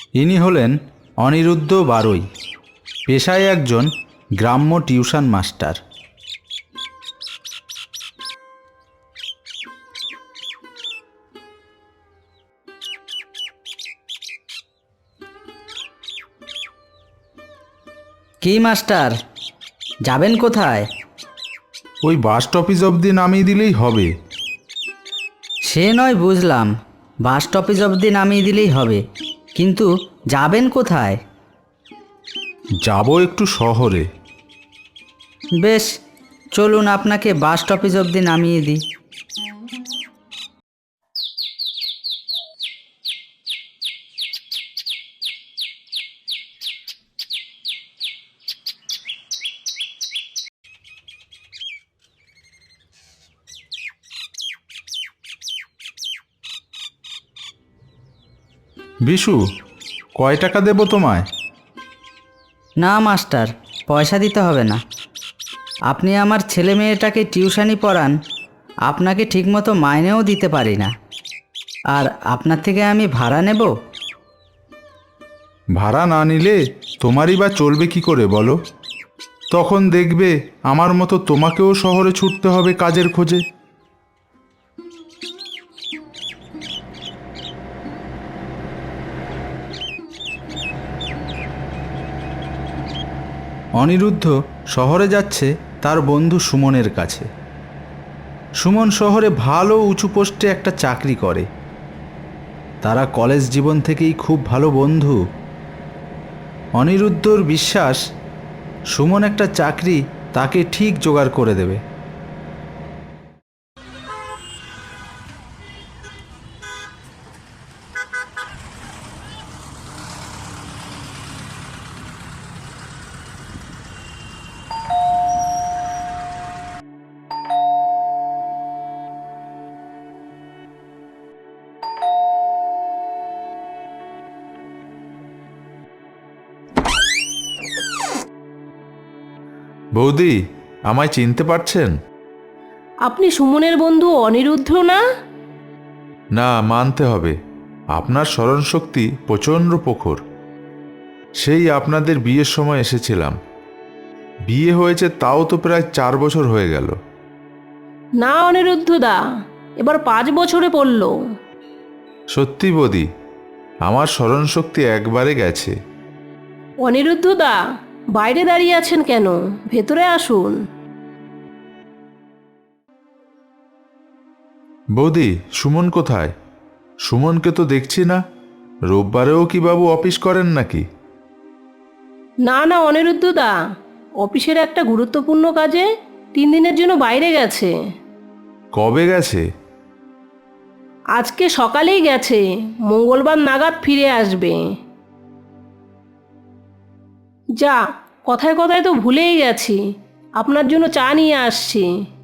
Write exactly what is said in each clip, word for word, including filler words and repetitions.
ইনি হলেন অনিরুদ্ধ বারৈ, পেশায় একজন গ্রাম্য টিউশন মাস্টার। কি মাস্টার, যাবেন কোথায়? ওই বাস স্টপেজ অবধি নামিয়ে দিলেই হবে। সে নয় বুঝলাম, বাস স্টপেজ অবধি নামিয়ে দিলেই হবে, কিন্তু যাবেন কোথায়? যাব একটু শহরে। বেশ, চলুন আপনাকে বাস স্টপেজ অবধি নামিয়ে দিই। বিশু, কয় টাকা দেব তোমায়? না মাস্টার, পয়সা দিতে হবে না। আপনি আমার ছেলে মেয়েটাকে টিউশনি পড়ান, আপনাকে ঠিকমতো মাইনেও দিতে পারি না, আর আপনার থেকে আমি ভাড়া নেব? ভাড়া না নিলে তোমারই বা চলবে কি করে বলো? তখন দেখবে আমার মতো তোমাকেও শহরে ছুটতে হবে কাজের খোঁজে। অনিরুদ্ধ শহরে যাচ্ছে তার বন্ধু সুমনের কাছে। সুমন শহরে ভালো উঁচু পোস্টে একটা চাকরি করে। তারা কলেজ জীবন থেকেই খুব ভালো বন্ধু। অনিরুদ্ধর বিশ্বাস সুমন একটা চাকরি তাকে ঠিক জোগাড় করে দেবে। বৌদি, আমায় চিনতে পারছেন? আপনি সুমনের বন্ধু অনিরুদ্ধ না? না, মানতে হবে। আপনার স্মরণশক্তি প্রচণ্ড প্রখর। সেই আপনাদের বিয়ের সময় এসেছিলাম। বিয়ে হয়েছে তাও তো প্রায় চার বছর হয়ে গেল। না অনিরুদ্ধ দা, এবার পাঁচ বছরে পড়ল। সত্যি বৌদি, আমার স্মরণশক্তি একবারে গেছে। অনিরুদ্ধ দা, বাইরে দাঁড়িয়ে আছেন কেন? ভেতরে আসুন। বৌদি, সুমন কোথায়? সুমনকে তো দেখছি না। রোববারেও কি বাবু অফিস করেন নাকি? না না অনিরুদ্ধ দা, অফিসের একটা গুরুত্বপূর্ণ কাজে তিন দিনের জন্য বাইরে গেছে। কবে গেছে? আজকে সকালেই গেছে, মঙ্গলবার নাগাদ ফিরে আসবে। যা, কথায় কথায় তো ভুলেই গেছি, আপনার জন্য চা নিয়ে আসছি।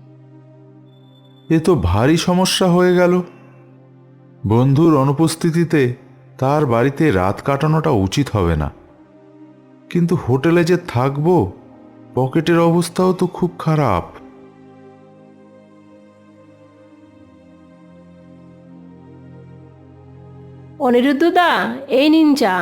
এ তো ভারী সমস্যা হয়ে গেল। বন্ধুর অনুপস্থিতিতে তার বাড়িতে রাত কাটানোটা উচিত হবে না, কিন্তু হোটেলে যে থাকবো, পকেটের অবস্থাও তো খুব খারাপ। অনিরুদ্ধ দা, এই নিন চা।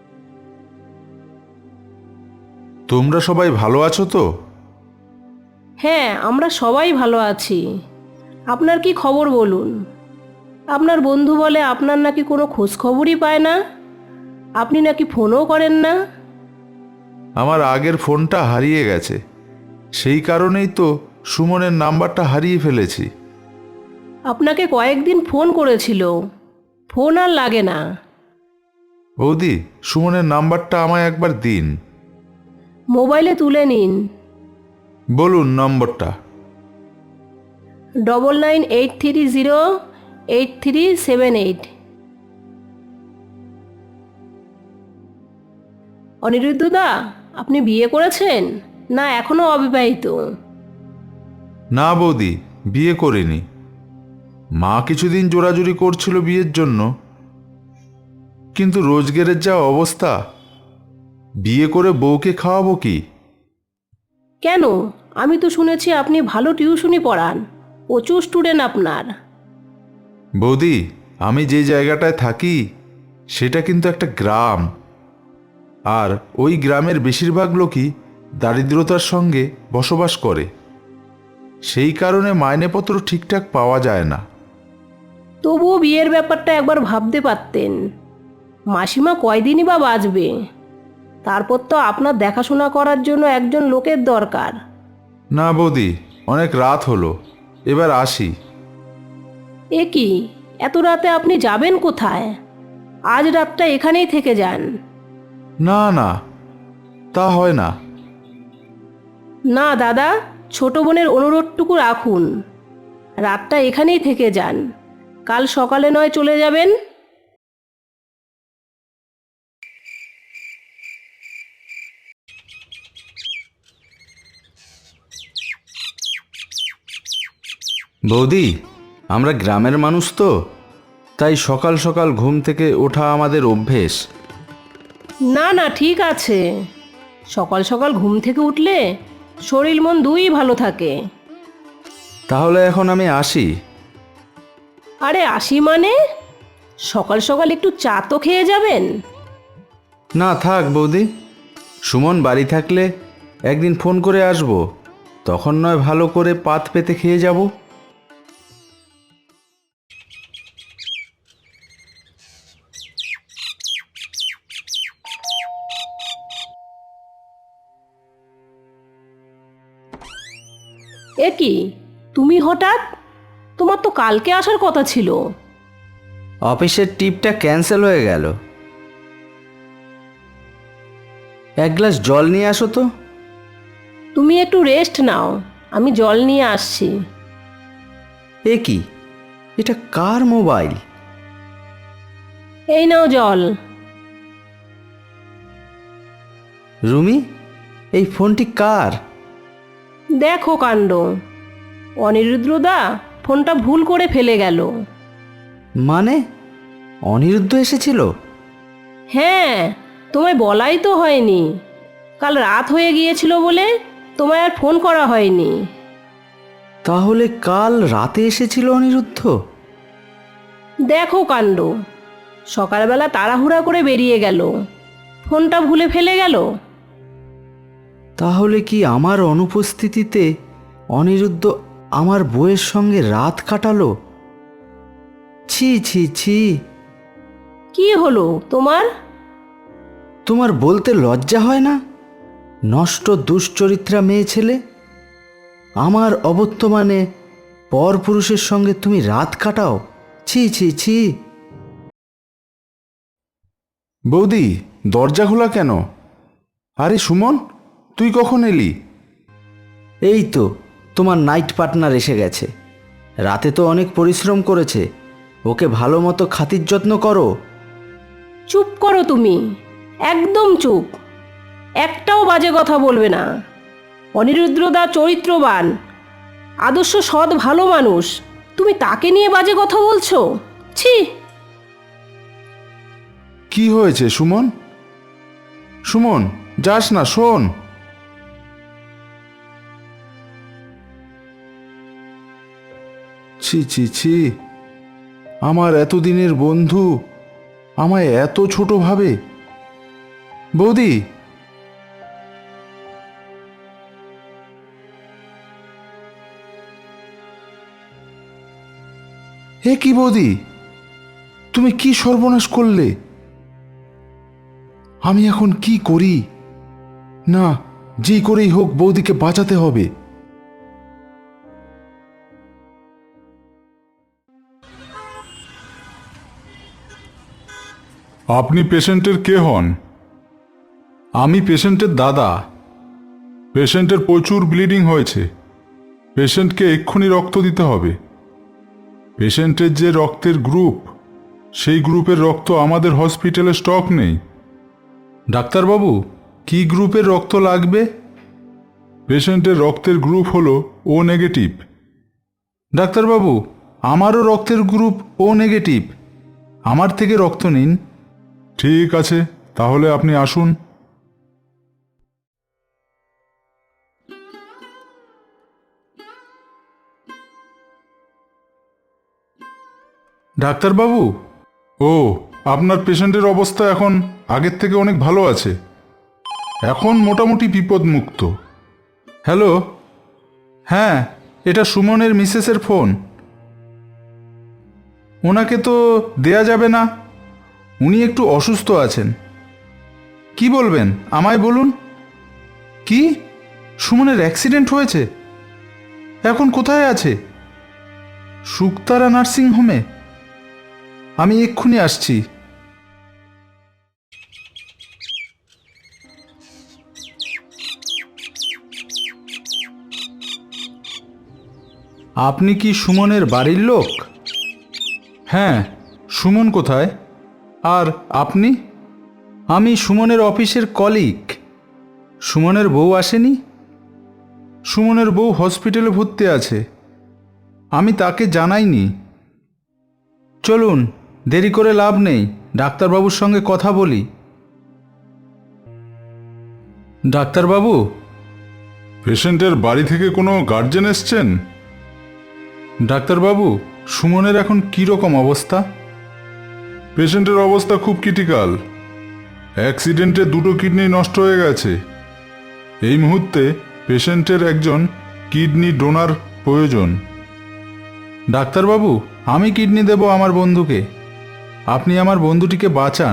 তোমরা সবাই ভালো আছো তো? হ্যাঁ, আমরা সবাই ভালো আছি। আপনার কি খবর বলুন? আপনার বন্ধু বলে আপনার নাকি কোনো খোঁজ খবরই পায় না, আপনি নাকি ফোনও করেন না। আমার আগের ফোনটা হারিয়ে গেছে, সেই কারণেই তো সুমনের নাম্বারটা হারিয়ে ফেলেছি। আপনাকে কয়েকদিন ফোন করেছিল, ফোন আর লাগে না। বৌদি, সুমনের নাম্বারটা আমায় একবার দিন। মোবাইলে তুলে নিন। বলুন নম্বরটা। Double nine eight three zero eight three seven eight. Anirudh দা, আপনি বিয়ে করেছেন না এখনো অবিবাহিত? না বৌদি, বিয়ে করিনি। মা কিছুদিন জোরাজুরি করছিল বিয়ের জন্য, কিন্তু রোজগারের যা অবস্থা, বিয়ে করে বউকে খাওয়াবো কি? কেন? আমি তো শুনেছি আপনি ভালো টিউশনি পড়ান, প্রচুর স্টুডেন্ট আপনার। বৌদি, আমি যে জায়গাটায় থাকি সেটা কিন্তু একটা গ্রাম, আর ওই গ্রামের বেশিরভাগ লোকই দারিদ্রতার সঙ্গে বসবাস করে। সেই কারণে মাইনেপত্র ঠিকঠাক পাওয়া যায় না। তবুও বিয়ের ব্যাপারটা একবার ভাবতে পারতেন। মাসিমা কয়দিনই বা বাঁচবে? তারপর তো আপনার দেখাশোনা করার জন্য একজন লোকের দরকার। না বৌদি, অনেক রাত হলো, এবার আসি। এ কি, এত রাতে আপনি যাবেন কোথায়? আজ রাতটা এখানেই থেকে যান। না না, তা হয় না। না দাদা, ছোট বোনের অনুরোধটুকু রাখুন। রাতটা এখানেই থেকে যান, কাল সকালে নয় চলে যাবেন। বৌদি, আমরা গ্রামের মানুষ তো, তাই সকাল সকাল ঘুম থেকে ওঠা আমাদের অভ্যেস। না না, ঠিক আছে। সকাল সকাল ঘুম থেকে উঠলে শরীর মন দুই ভালো থাকে। তাহলে এখন আমি আসি। আরে আসি মানে? সকাল সকাল একটু চা তো খেয়ে যাবেন। না থাক বৌদি, সুমন বাড়ি থাকলে একদিন ফোন করে আসব, তখন নয় ভালো করে পাত পেতে খেয়ে যাব। এ কি, তুমি হঠাৎ? তোমার তো কালকে আসার কথা ছিল। অফিসের ট্রিপটা ক্যান্সেল হয়ে গেল। এক গ্লাস জল নিয়ে আসো তো। তুমি একটু রেস্ট নাও, আমি জল নিয়ে আসছি। এ কি, এটা কার মোবাইল? এই নাও জল। রুমি, এই ফোনটি কার? দেখো কাণ্ড, অনিরুদ্রদা ফোনটা ভুল করে ফেলে গেল। মানে অনিরুদ্ধ এসেছিল? হ্যাঁ, তোমায় বলাই তো হয়নি। কাল রাত হয়ে গিয়েছিল বলে তোমায় আর ফোন করা হয়নি। তাহলে কাল রাতে এসেছিল অনিরুদ্ধ? দেখো কাণ্ড, সকালবেলা তাড়াহুড়া করে বেরিয়ে গেল, ফোনটা ভুলে ফেলে গেল। তাহলে কি আমার অনুপস্থিতিতে অনিরুদ্ধ আমার বউয়ের সঙ্গে রাত কাটালো? ছি ছি ছি। কি হলো তোমার? তোমার বলতে লজ্জা হয় না? নষ্ট দুশ্চরিত্রা মেয়ে ছেলে, আমার অবর্তমানে পরপুরুষের সঙ্গে তুমি রাত কাটাও? ছি ছি ছি। বৌদি, দরজা খোলা কেন? আরে সুমন, তুই কখন এলি? এই তো তোমার নাইট পার্টনার এসে গেছে। রাতে তো অনেক পরিশ্রম করেছে, ওকে ভালো মতো খাতির যত্ন করো। চুপ করো তুমি, একদম চুপ। একটাও বাজে কথা বলবে না। অনিরুদ্রদা চরিত্রবান, আদর্শ সৎ ভালো মানুষ, তুমি তাকে নিয়ে বাজে কথা বলছো? ছি। কি হয়েছে সুমন? সুমন, যাস না, শোন। ছি ছি ছি, আমার এতদিনের বন্ধু আমায় এত ছোট ভাবে। বৌদি, হে কি বৌদি, তুমি কি সর্বনাশ করলে? আমি এখন কি করি? না, যেই করেই হোক বৌদিকে বাঁচাতে হবে। আপনি পেশেন্টের কে হন? আমি পেশেন্টের দাদা। পেশেন্টের প্রচুর ব্লিডিং হয়েছে, পেশেন্টকে এক্ষুনি রক্ত দিতে হবে। পেশেন্টের যে রক্তের গ্রুপ, সেই গ্রুপের রক্ত আমাদের হসপিটালে স্টক নেই। ডাক্তারবাবু, কি গ্রুপের রক্ত লাগবে? পেশেন্টের রক্তের গ্রুপ হলো ও নেগেটিভ। ডাক্তারবাবু, আমারও রক্তের গ্রুপ ও নেগেটিভ, আমার থেকে রক্ত নিন। ঠিক আছে, তাহলে আপনি আসুন। ডাক্তারবাবু, ও আপনার পেশেন্টের অবস্থা এখন আগের থেকে অনেক ভালো আছে, এখন মোটামুটি বিপদমুক্ত। হ্যালো, হ্যাঁ, এটা সুমনের মিসেসের ফোন। ওনাকে তো দেয়া যাবে না, উনি একটু অসুস্থ আছেন। কি বলবেন আমায় বলুন। কি, সুমনের অ্যাক্সিডেন্ট হয়েছে? এখন কোথায় আছে? শুকতারা নার্সিং হোমে? আমি এক্ষুনি আসছি। আপনি কি সুমনের বাড়ির লোক? হ্যাঁ, সুমন কোথায়? আর আপনি? আমি সুমনের অফিসের কলিগ। সুমনের বউ আসেনি? সুমনের বউ হসপিটালে ভর্তি আছে, আমি তাকে জানাইনি। চলুন, দেরি করে লাভ নেই, ডাক্তারবাবুর সঙ্গে কথা বলি। ডাক্তারবাবু, পেশেন্টের বাড়ি থেকে কোনো গার্জেন এসছেন? ডাক্তারবাবু, সুমনের এখন কী রকম অবস্থা? পেশেন্টের অবস্থা খুব ক্রিটিক্যাল, অ্যাক্সিডেন্টে দুটো কিডনি নষ্ট হয়ে গেছে। এই মুহূর্তে পেশেন্টের একজন কিডনি ডোনার প্রয়োজন। ডাক্তারবাবু, আমি কিডনি দেব আমার বন্ধুকে, আপনি আমার বন্ধুটিকে বাঁচান।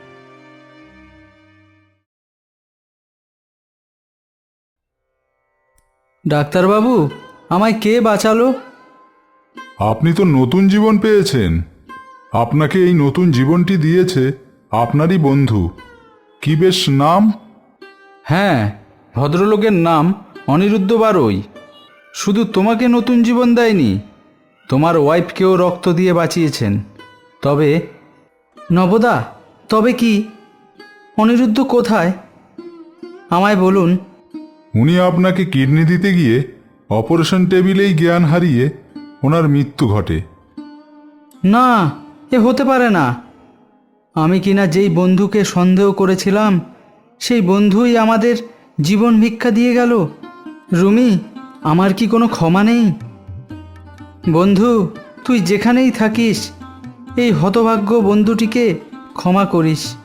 ডাক্তারবাবু, আমায় কে বাঁচালো? আপনি তো নতুন জীবন পেয়েছেন, আপনাকে এই নতুন জীবনটি দিয়েছে আপনারই বন্ধু। কি বেশ নাম? হ্যাঁ, ভদ্রলোকের নাম অনিরুদ্ধ বারৈ। শুধু তোমাকে নতুন জীবন দেয়নি, তোমার ওয়াইফকেও রক্ত দিয়ে বাঁচিয়েছেন। তবে নবদা, তবে কি? অনিরুদ্ধ কোথায়? আমায় বলুন। উনি আপনাকে কিডনি দিতে গিয়ে অপারেশন টেবিলেই জ্ঞান হারিয়ে ওনার মৃত্যু ঘটে। না, এ হতে পারে না। আমি কিনা যেই বন্ধুকে সন্দেহ করেছিলাম, সেই বন্ধুই আমাদের জীবন ভিক্ষা দিয়ে গেল। রুমি, আমার কি কোনো ক্ষমা নেই? বন্ধু, তুই যেখানেই থাকিস, এই হতভাগ্য বন্ধুটিকে ক্ষমা করিস।